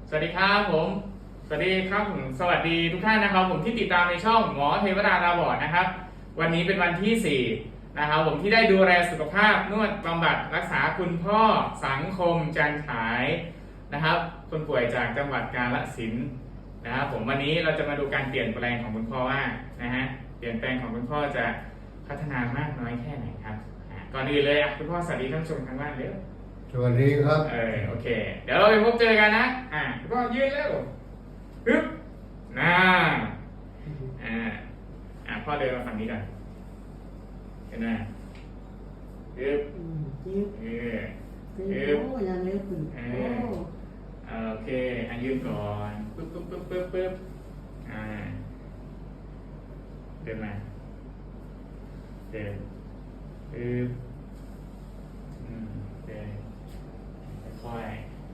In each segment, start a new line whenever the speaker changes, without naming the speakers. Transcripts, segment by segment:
สวัสดีครับผมสวัสดีครับผมสวัสดีทุกท่านนะครับผมที่ติดตามในช่องหมอเทวดาตาบอดนะครับวันนี้เป็นวันที่4นะครับผมที่ได้ดูแลสุขภาพนวดบำบัดรักษาคุณพ่อสังคมจันฉายนะครับคนป่วยจากจังหวัดกาฬสินธุ์นะครับผมวันนี้เราจะมาดูการเปลี่ยนแปลงของคุณพ่อว่านะฮะเปลี่ยนแปลงของคุณพ่อจะพัฒนามากน้อยแค่ไหนครับก่อนอื่นเลยคุณพ่อสวัสดีท่านผู้ชมทางบ้านเร็ว
สวัสดีครับ
โอเคเดี๋ยวเราไปพบเจอกันนะคุณพ่อยืนแล้วปึ๊บน่าพ่อเดินมาฝั่งนี้ก่อนเห็นไหมปึ๊บ
ยืด
เออ
ยืดโอ้ยังเล็กอยู่โอ้
โอเคยืนก่อนปึ๊บปึ๊บปึ๊บปึ๊บปึ๊บเดินมาเดินปึ๊บเดินค่อย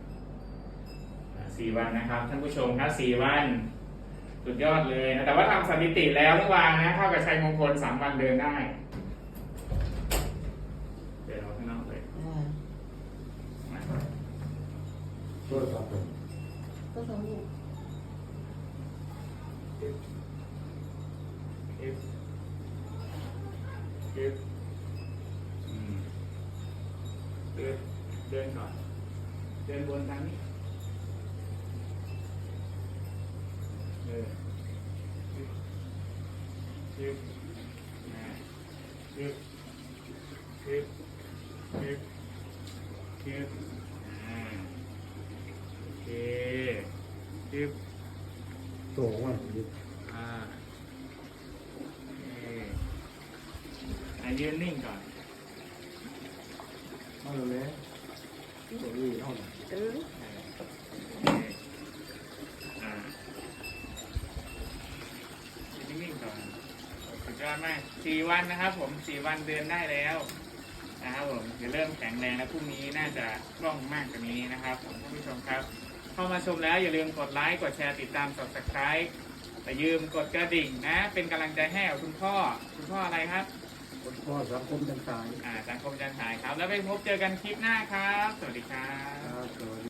4 วันนะครับท่านผู้ชมครับ4 วันสุดยอดเลยนะแต่ว่าทำสถิติแล้วเมื่อวานนะเท่ากับชัยมงคล3 วันเดินได้เดินออกข้างนอกเลยมา
ช่วยครับผม
ก็สมุก
ปึ๊บปึ๊บปึ๊บปึ๊บเดินก่อนเดินบนทางนี้ปึ๊บปึ๊บปึ๊บปึ๊บปึ๊บปึ๊บโอเคปึ๊บ
โตมากเลย
ยืนนิ่งก่อน
มาเลยตัวนี้เท่าไหร่
ยืนนิ่งก่อนสุดยอดมาก4 วันนะครับผม4 วันเดินได้แล้วนะครับผมจะเริ่มแข็งแรงแล้วพรุ่งนี้น่าจะคล่องมากกว่านี้นะครับผมท่านผู้ชมครับเข้ามาชมแล้วอย่าลืมกดไลค์กดแชร์ติดตาม Subscribe แต่ยืมกดกระดิ่งนะเป็นกำลังใจให้กับคุณพ่ออะไรครับ
คนพ่อสังคมจันทาย
สังคมจันทายครับแล้วไปพบเจอกันคลิปหน้าครับสวัสดีครับ
สวัสดี